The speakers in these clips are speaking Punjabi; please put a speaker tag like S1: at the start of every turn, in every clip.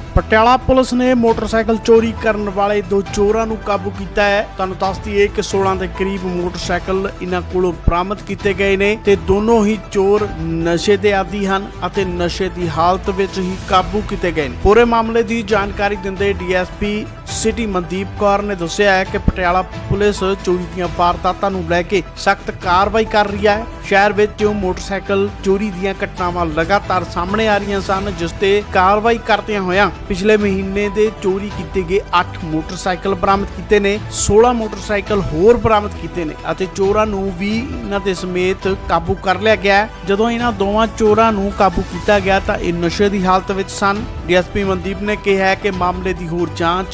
S1: ਪਟਿਆਲਾ ਪੁਲਿਸ ਨੇ ਮੋਟਰਸਾਈਕਲ ਚੋਰੀ ਕਰਨ ਵਾਲੇ ਦੋ ਚੋਰਾਂ ਨੂੰ ਕਾਬੂ ਕੀਤਾ ਹੈ। ਤੁਹਾਨੂੰ ਦੱਸ ਦਈਏ ਕਿ 16 ਦੇ ਕਰੀਬ ਮੋਟਰਸਾਈਕਲ ਇਹਨਾਂ ਕੋਲੋਂ ਬਰਾਮਦ ਕੀਤੇ ਗਏ ਨੇ ਤੇ ਦੋਨੋਂ ਹੀ ਚੋਰ ਨਸ਼ੇ ਦੇ ਆਦੀ ਹਨ ਅਤੇ ਨਸ਼ੇ ਦੀ ਹਾਲਤ ਵਿੱਚ ਹੀ ਕਾਬੂ ਕੀਤੇ ਗਏ ਨੇ। ਪੂਰੇ ਮਾਮਲੇ ਦੀ ਜਾਣਕਾਰੀ ਦਿੰਦੇ ਡੀਐਸਪੀ ਸਿਟੀ ਮਨਦੀਪ ਕੌਰ ਨੇ ਦੱਸਿਆ ਹੈ ਕਿ ਪਟਿਆਲਾ ਪੁਲਿਸ ਚੋਰੀ ਦੀਆਂ ਵਾਰਦਾਤਾਂ ਨੂੰ ਲੈ ਕੇ ਸਖਤ ਕਾਰਵਾਈ ਕਰ ਰਹੀ ਹੈ। ਸ਼ਹਿਰ ਵਿੱਚ ਮੋਟਰਸਾਈਕਲ ਚੋਰੀ ਦੀਆਂ ਘਟਨਾਵਾਂ ਲਗਾਤਾਰ ਸਾਹਮਣੇ ਆ ਰਹੀਆਂ ਸਨ, ਜਿਸ ਤੇ ਕਾਰਵਾਈ ਕਰਦਿਆਂ ਹੋਇਆਂ ਪਿਛਲੇ ਮਹੀਨੇ ਦੇ ਚੋਰੀ ਕੀਤੇ ਗਏ 8 ਮੋਟਰਸਾਈਕਲ ਬਰਾਮਦ ਕੀਤੇ ਨੇ, 16 ਮੋਟਰਸਾਈਕਲ ਹੋਰ ਬਰਾਮਦ ਕੀਤੇ ਨੇ ਅਤੇ ਚੋਰਾਂ ਨੂੰ ਵੀ ਇਹਨਾਂ ਦੇ ਸਮੇਤ ਕਾਬੂ ਕਰ ਲਿਆ ਗਿਆ। ਜਦੋਂ ਇਹਨਾਂ ਦੋਵਾਂ ਚੋਰਾਂ ਨੂੰ ਕਾਬੂ ਕੀਤਾ ਗਿਆ ਤਾਂ ਇਹ ਨਸ਼ੇ ਦੀ ਹਾਲਤ ਵਿੱਚ ਸਨ। ਡੀਐਸਪੀ ਮਨਦੀਪ ਨੇ ਕਿਹਾ ਕਿ ਮਾਮਲੇ ਦੀ ਹੋਰ ਜਾਂਚ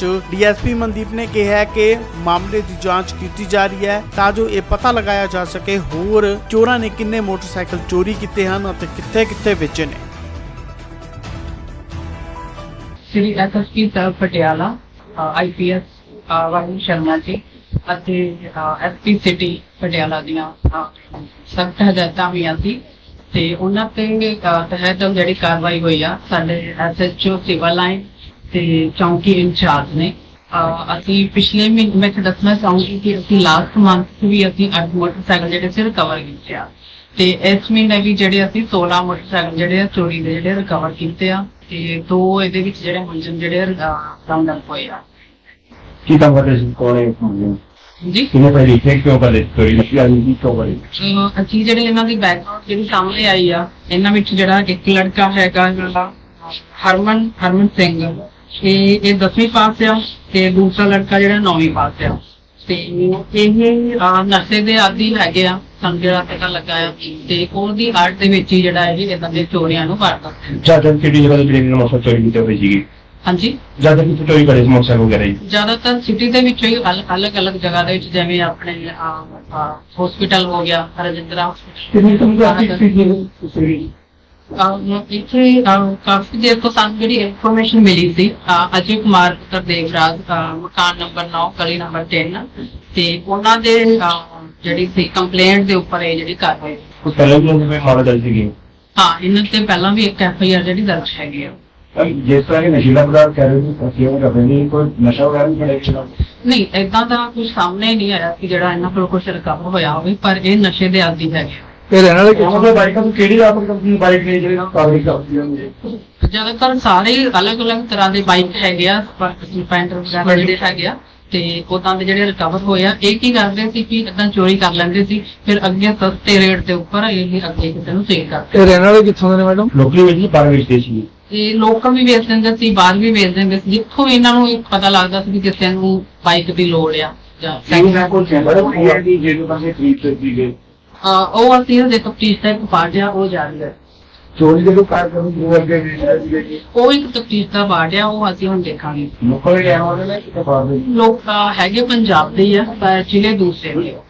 S1: ਦੀ ਜਾਂਚ ਕੀਤੀ ਜਾ ਰਹੀ ਹੈ ਤਾਂ ਜੋ ਇਹ ਪਤਾ ਲਗਾਇਆ ਜਾ ਸਕੇ ਹੋਰ ਚੋਰਾਂ ਨੇ ਕਿੰਨੇ ਮੋਟਰਸਾਈਕਲ ਚੋਰੀ ਕੀਤੇ ਹਨ ਅਤੇ ਕਿੱਥੇ-ਕਿੱਥੇ ਵੇਚੇ ਨੇ।
S2: श्री एसएसपी ਸਾਹਿਬ ਪਟਿਆਲਾ आईपीएस ਵਾਹਿੰਦ ਸ਼ਰਮਾ ਜੀ ਅਤੇ ਐਸਪੀ ਸਿਟੀ ਪਟਿਆਲਾ ਦੀਆਂ ਸਖਤ ਹਦਾਇਤਾਂ ਹੋਈਆਂ ਸੀ ਤੇ ਉਹਨਾਂ ਤੇ ਤਹਿਤ ਜਿਹੜੀ ਕਾਰਵਾਈ ਹੋਈ ਆ ਸਾਡੇ ਐਸਐਚਓ ਸਿਵਲ ਲਾਈਨ ਤੇ ਚੌਂਕੀ ਇੰਚਾਰਜ ਨੇ। ਅਸੀਂ ਪਿਛਲੇ ਮਹੀਨੇ ਵਿੱਚ ਦੱਸਣਾ ਚਾਹੂੰਗੀ ਕਿ ਅਸੀਂ ਲਾਸਟ ਮੰਥ ਵੀ ਅਸੀਂ 8 ਮੋਟਰਸਾਈਕਲ ਜਿਹੜੇ ਸੀ ਰਿਕਵਰ ਕੀਤੇ ਆ ਤੇ ਇਸ ਮਹੀਨੇ ਵੀ ਜਿਹੜੇ ਅਸੀਂ 16 ਮੋਟਰਸਾਈਕਲ ਜਿਹੜੇ ਚੋਰੀ ਦੇ ਜਿਹੜੇ ਰਿਕਵਰ ਕੀਤੇ ਆ ਤੇ ਦੋ ਇਹਦੇ ਵਿੱਚ ਜਿਹੜੇ ਮੁਲਜ਼ਮ ਜਿਹੜੇ ਰਾਉਂਡ ਅਪ ਹੋਏ ਆ।
S3: ਕੀ ਕੰਮ ਕਰਦੇ ਸੀ ਕੋਲੇ
S2: ਜੀ
S3: ਕਿਹਨੇ ਪਹਿਲੀ ਚੈੱਕ ਕਿਉਂ ਕਰਦੇ ਚੋਰੀ ਨਸ਼ੀ ਵਾਲੀ ਦੀ ਕਿਉਂ ਕਰਦੇ?
S2: ਅਸੀਂ ਜਿਹੜੇ ਇਹਨਾਂ ਦੀ ਬੈਕਗ੍ਰਾਉਂਡ ਜਿਹੜੀ ਸਾਹਮਣੇ ਆਈ ਆ ਇਹਨਾਂ ਵਿੱਚ ਜਿਹੜਾ ਇੱਕ ਲੜਕਾ ਹੈਗਾ ਜਿਹੜਾ ਹਰਮਨ ਸਿੰਘ ਇਹ 10ਵੀਂ ਪਾਸ ਆ ਤੇ ਦੂਸਰਾ ਲੜਕਾ ਜਿਹੜਾ 9ਵੀਂ ਪਾਸ ਆ ਤੇ ਇਹ ਨਸ਼ੇ ਦੇ ਆਦੀ ਹੈਗੇ ਆ। ਸਾਨੂੰ ਜਿਹੜਾ ਪਤਾ ਲੱਗਾ ਆ ਤੇ ਉਹਦੀ ਆੜ ਦੇ ਵਿੱਚ ਹੀ ਜਿਹੜਾ ਇਹ ਇਦਾਂ ਦੇ ਚੋਰੀਆਂ ਨੂੰ ਕਰਦਾ।
S3: ਜਿਆਦਾ ਕਿਹੜੀ ਜਗ੍ਹਾ ਤੇ ਜਿਹੜੇ ਮੋਟਰਸਾਈਕਲ ਚੋਰੀ ਕੀਤੇ ਹੋਏ ਸੀਗੇ?
S2: ਹਾਂਜੀ
S3: ਜਿਆਦਾ ਕਿੱਥੇ ਚੋਰੀ ਕਰੇ ਸੀ ਮੋਟਰਸਾਈਕਲ ਵਗੈਰਾ ਜੀ?
S2: ਜ਼ਿਆਦਾਤਰ ਸਿਟੀ ਦੇ ਵਿੱਚ ਹੀ ਅਲੱਗ-ਅਲੱਗ ਜਗ੍ਹਾ ਦੇ ਵਿੱਚ ਜਿਵੇਂ ਆਪਣੇ ਹਸਪੀਟਲ ਹੋ ਗਿਆ ਰਜਿੰਦਰਾ ਇੱਥੇ ਕਾਫੀ ਦੇਰ ਤੋਂ ਸਾਨੂੰ ਜਿਹੜੀ ਇਨਫੋਰਮੇਸ਼ਨ ਮਿਲੀ ਸੀ ਅਜੇ ਕੁਮਾਰ ਪੁੱਤਰ ਦੇਵਰਾਜ ਮਕਾਨ ਨੰਬਰ 9 ਗਲੀ ਨੰਬਰ 3 ਤੇ ਉਹਨਾਂ ਦੇ ਜਿਹੜੀ ਸੀ ਕੰਪਲੇਂਟ ਦੇ ਉੱਪਰ ਇਹ ਜਿਹੜੀ ਕਾਰਵਾਈ
S3: ਕੋਈ ਪਹਿਲਾਂ ਵੀ ਉਹਨੇ ਮਾਮਲਾ ਦਰਜ ਸੀਗੀ?
S2: ਹਾਂ ਇਹਨਾਂ ਤੇ ਪਹਿਲਾਂ ਵੀ ਇੱਕ ਐਫਆਈਆਰ ਜਿਹੜੀ ਦਰਜ ਹੈਗੀ ਆ।
S3: ਜਿਸ ਤਰ੍ਹਾਂ ਕਿ ਨਸ਼ੀਲਾ ਪਦਾਰਥ ਕਹਿ ਰਹੇ ਸੀ ਅਸੀਂ ਉਹ ਕਰਦੇ ਨਹੀਂ, ਕੋਈ ਨਸ਼ਾ ਵਗੈਰਾ ਨਹੀਂ ਕਰਿਆ?
S2: ਨਹੀਂ ਏਦਾਂ ਦਾ ਕੁਝ ਸਾਹਮਣੇ ਨਹੀਂ ਆਇਆ ਕਿ ਜਿਹੜਾ ਇਹਨਾਂ ਕੋਲ ਕੁਝ ਰਿਕਵਰ ਹੋਇਆ ਹੋਵੇ, ਪਰ ਇਹ ਨਸ਼ੇ ਦੇ ਆਦੀ ਹੈਗੇ।
S3: ਇਹ ਰਹਿਣ ਵਾਲੇ ਕਿਹਨਾਂ ਦੇ ਬਾਈਕਾਂ ਤੋਂ ਕਿਹੜੀ ਆਪਣੀ ਕੰਪਨੀ ਬਾਈਕ ਨੇ ਜਿਹੜੇ ਕਾਗਜ਼ ਕਰਦੀ ਹੁੰਦੀ?
S2: ਜ਼ਿਆਦਾਤਰ ਸਾਰੇ ਅਲੱਗ-ਅਲੱਗ ਤਰ੍ਹਾਂ ਦੇ ਬਾਈਕ ਹੈਗੇ ਆ, ਸਪੈਂਡਰ ਵਗੈਰਾ ਜਿਹੜੇ ਹੈਗੇ ਆ ਤੇ ਉਦਾਂ ਦੇ ਜਿਹੜੇ ਰਿਕਵਰ ਹੋਏ ਆ। ਇਹ ਕੀ ਕਰਦੇ ਸੀ ਕਿ ਇਦਾਂ ਚੋਰੀ ਕਰ ਲੈਂਦੇ ਸੀ ਫਿਰ ਅੱਗੇ ਸਸਤੇ ਰੇਟ ਦੇ ਉੱਪਰ ਇਹ ਅੱਗੇ ਕਿਸੇ ਨੂੰ ਸੇਲ ਕਰਦੇ।
S3: ਇਹ ਰਹਿਣ ਵਾਲੇ ਕਿੱਥੋਂ ਦੇ ਨੇ ਮੈਡਮ? ਲੋਕਲੀ ਵੇਚੀ ਬਾਹਰ ਵੇਚਦੇ ਸੀ?
S2: ਇਹ ਲੋਕਾਂ ਵੀ ਵੇਚ ਦਿੰਦੇ ਸੀ, ਬਾਹਰ ਵੀ ਵੇਚ ਦਿੰਦੇ ਸੀ, ਜਿੱਥੋਂ ਇਹਨਾਂ ਨੂੰ ਪਤਾ ਲੱਗਦਾ ਸੀ ਕਿ ਕਿਸੇ ਨੂੰ ਬਾਈਕ ਦੀ ਲੋੜ ਆ ਜਾਂ ਉਹ ਅਸੀਂ ਦੇ ਤਫਤੀਸ਼ ਤੱਕ ਪਾਰਟ ਆ ਉਹ ਜਾਰੀ ਹੈ।
S3: ਚੋਰੀ ਦੇ ਲੋਕ ਕਾਰ ਕਰਨ ਨੂੰ ਅੱਗੇ
S2: ਉਹ ਇੱਕ ਤਫਤੀਸ਼ ਦਾ ਪਾਰਟ ਆ ਉਹ ਅਸੀਂ ਹੁਣ ਦੇਖਾਂਗੇ।
S3: ਲੋਕਾਂ ਦੇ ਰਹਿਣ ਵਾਲੇ ਨੇ ਕਿਤੇ ਬਾਹਰ ਦੇ
S2: ਲੋਕ ਹੈਗੇ ਪੰਜਾਬ ਦੇ ਆ ਪਰ ਜ਼ਿਲ੍ਹੇ ਦੂਸਰੇ ਨੇ।